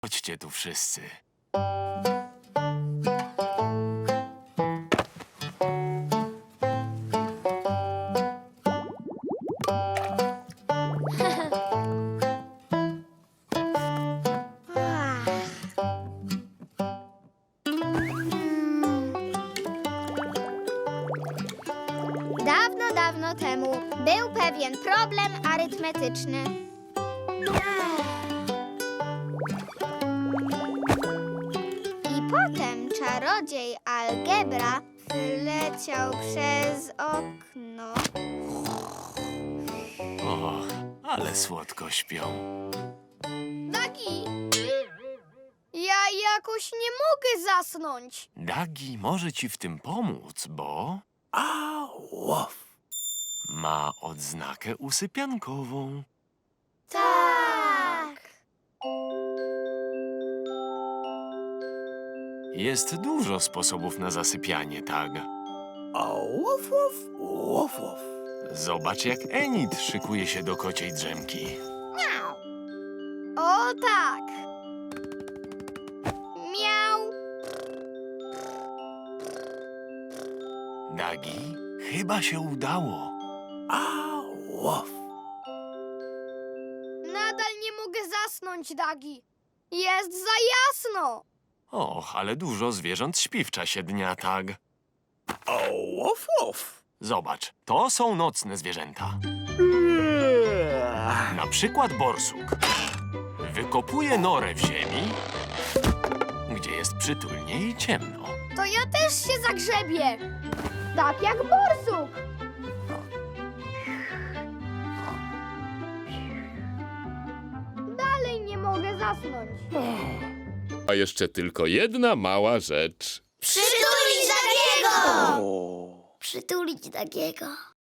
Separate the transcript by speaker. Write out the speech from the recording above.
Speaker 1: Chodźcie tu wszyscy.
Speaker 2: Dawno, dawno temu był pewien problem arytmetyczny. I potem czarodziej algebra wyleciał przez okno.
Speaker 1: Och, ale słodko śpią.
Speaker 2: Dagi! Ja jakoś nie mogę zasnąć.
Speaker 1: Dagi może ci w tym pomóc, bo
Speaker 3: Łow.
Speaker 1: ma odznakę usypiankową.
Speaker 2: Tak.
Speaker 1: Jest dużo sposobów na zasypianie, tak?
Speaker 3: Łow, łow, łow, łow.
Speaker 1: Zobacz, jak Enid szykuje się do kociej drzemki.
Speaker 2: O tak. Miau.
Speaker 1: Dagi, chyba się udało.
Speaker 3: Łow.
Speaker 2: Nadal nie mogę zasnąć, Dagi. Jest za jasno.
Speaker 1: Och, ale dużo zwierząt śpi w czasie dnia, tak?
Speaker 3: Łow, łow.
Speaker 1: Zobacz, to są nocne zwierzęta. Na przykład borsuk. Wykopuje norę w ziemi, gdzie jest przytulnie i ciemno.
Speaker 2: To ja też się zagrzebię. Tak jak borsuk. Dalej nie mogę zasnąć.
Speaker 4: A jeszcze tylko jedna mała rzecz.
Speaker 2: Przytulić Dagiego!
Speaker 3: O.
Speaker 2: Przytulić Dagiego.